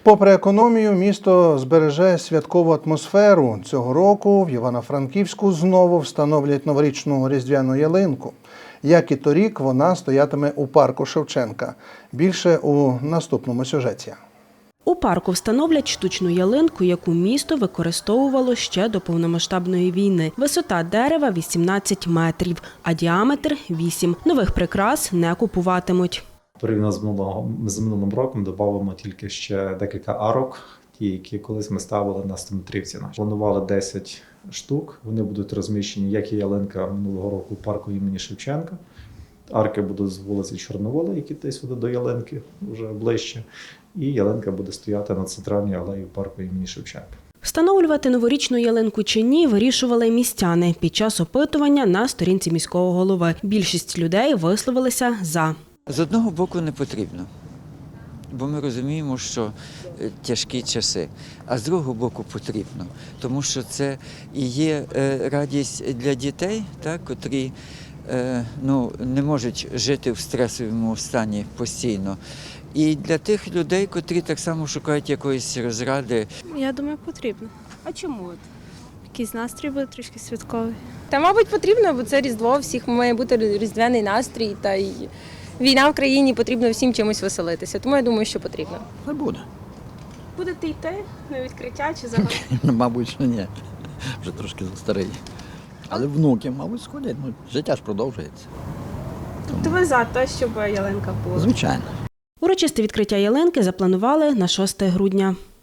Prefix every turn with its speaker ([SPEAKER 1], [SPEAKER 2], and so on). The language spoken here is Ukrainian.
[SPEAKER 1] Попри економію, місто збереже святкову атмосферу. Цього року в Івано-Франківську знову встановлять новорічну різдвяну ялинку. Як і торік, вона стоятиме у парку Шевченка. Більше у наступному сюжеті.
[SPEAKER 2] У парку встановлять штучну ялинку, яку місто використовувало ще до повномасштабної війни. Висота дерева – 18 метрів, а діаметр – 8. Нових прикрас не купуватимуть.
[SPEAKER 3] Порівняно з минулим роком додамо тільки ще декілька арок, ті, які колись ми ставили на 100-метрівці. Планували 10 штук, вони будуть розміщені, як і ялинка минулого року у парку імені Шевченка. Арки будуть з вулиці Чорновола, які десь буде до ялинки, вже ближче. І ялинка буде стояти на центральній алеї парку імені Шевченка.
[SPEAKER 2] Встановлювати новорічну ялинку чи ні, вирішували містяни під час опитування на сторінці міського голови. Більшість людей висловилися «за».
[SPEAKER 4] З одного боку не потрібно, бо ми розуміємо, що тяжкі часи, а з другого боку потрібно, тому що це і є радість для дітей, так, котрі не можуть жити в стресовому стані постійно. І для тих людей, котрі так само шукають якоїсь розради.
[SPEAKER 5] Я думаю, потрібно.
[SPEAKER 2] А чому?
[SPEAKER 5] Якийсь настрій буде трішки святковий.
[SPEAKER 6] Та, мабуть, потрібно, бо це Різдво, всіх має бути різдвяний настрій, та й війна в країні, потрібно всім чимось веселитися. Тому я думаю, що потрібно.
[SPEAKER 7] Не буде.
[SPEAKER 5] Будете йти на відкриття чи загалом?
[SPEAKER 7] Мабуть, що ні. Вже трошки старий. Але внуки, мабуть, сходять. Життя ж продовжується.
[SPEAKER 5] Тобто ви за те, щоб ялинка була?
[SPEAKER 7] Звичайно.
[SPEAKER 2] Урочисте відкриття ялинки запланували на 6 грудня.